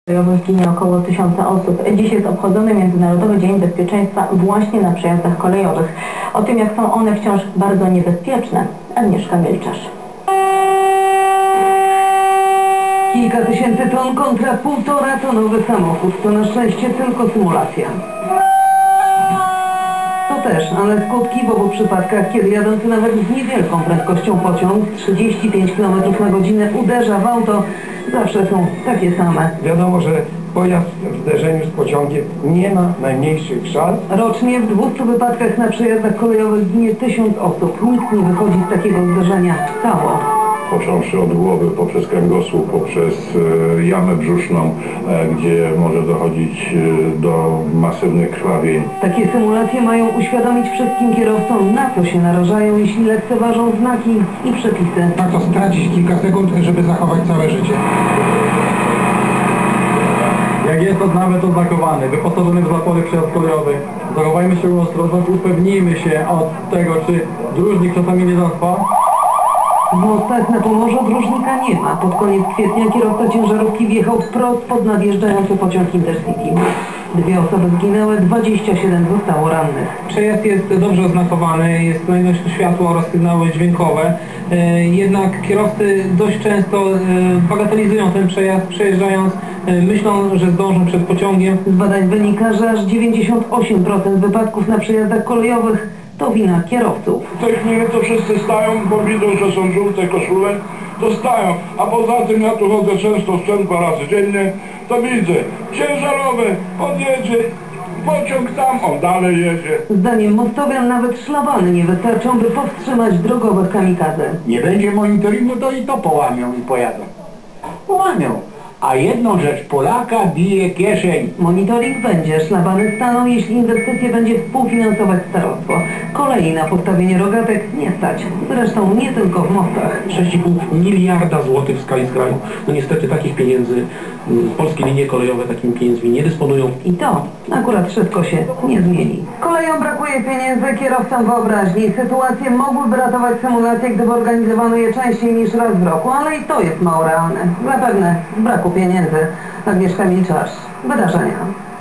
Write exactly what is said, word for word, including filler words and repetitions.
Ginie około tysiąca osób. Dziś jest obchodzony Międzynarodowy Dzień Bezpieczeństwa właśnie na przejazdach kolejowych. O tym, jak są one wciąż bardzo niebezpieczne, Agnieszka Milczarz. Kilka tysięcy ton kontra półtora tonowy samochód. To na szczęście tylko symulacja. To też, ale skutki w obu przypadkach, kiedy jadący nawet z niewielką prędkością pociąg trzydzieści pięć kilometrów na godzinę uderza w auto, zawsze są takie same. Wiadomo, że pojazd w zderzeniu z pociągiem nie ma najmniejszych szans. Rocznie w dwustu wypadkach na przejazdach kolejowych ginie tysiąc osób. Nikt nie wychodzi z takiego zderzenia cało. Począwszy od głowy, poprzez kręgosłup, poprzez e, jamę brzuszną, e, gdzie może dochodzić e, do masywnych krwawień. Takie symulacje mają uświadomić wszystkim kierowcom, na co się narażają, jeśli lekceważą znaki i przepisy. Warto stracić kilka sekund, żeby zachować całe życie. Jak jest to nawet oznakowany, wyposażony w zapory przejazd kolejowy, zachowajmy się ostrożność, upewnijmy się od tego, czy dróżnik czasami nie zaspa. W mostach na Pomorzu dróżnika nie ma. Pod koniec kwietnia kierowca ciężarówki wjechał wprost pod nadjeżdżający pociąg Intercity. Dwie osoby zginęły, dwadzieścia siedem zostało rannych. Przejazd jest dobrze oznakowany, jest kolejność światła oraz sygnały dźwiękowe. Jednak kierowcy dość często bagatelizują ten przejazd, przejeżdżając, myślą, że zdążą przed pociągiem. Z badań wynika, że aż dziewięćdziesiąt osiem procent wypadków na przejazdach kolejowych to wina kierowców. W tej chwili to wszyscy stają, bo widzą, że są żółte koszule, to stają. A poza tym ja tu chodzę często z dwa razy dziennie, to widzę, ciężarowy podjedzie, pociąg tam, on dalej jedzie. Zdaniem mostowian nawet szlabany nie wystarczą, by powstrzymać drogowych kamikadze. Nie będzie monitoringu, to i to połamią i pojadą. Połamią. A jedną rzecz, Polaka bije kieszeń. Monitoring będzie, szlabany staną, jeśli inwestycje będzie współfinansować starostwo. Kolei na postawienie rogatek nie stać. Zresztą nie tylko w mostach. sześć i pół miliarda złotych w skali kraju. No niestety takich pieniędzy polskie linie kolejowe takimi pieniędzmi nie dysponują. I to akurat szybko się nie zmieni. Kolejom brakuje pieniędzy, kierowcom wyobraźni. Sytuacje mogłyby ratować symulacje, gdyby organizowano je częściej niż raz w roku, ale i to jest mało realne. Zapewne z braku pieniędzy. Agnieszka Milczarz, Wydarzenia.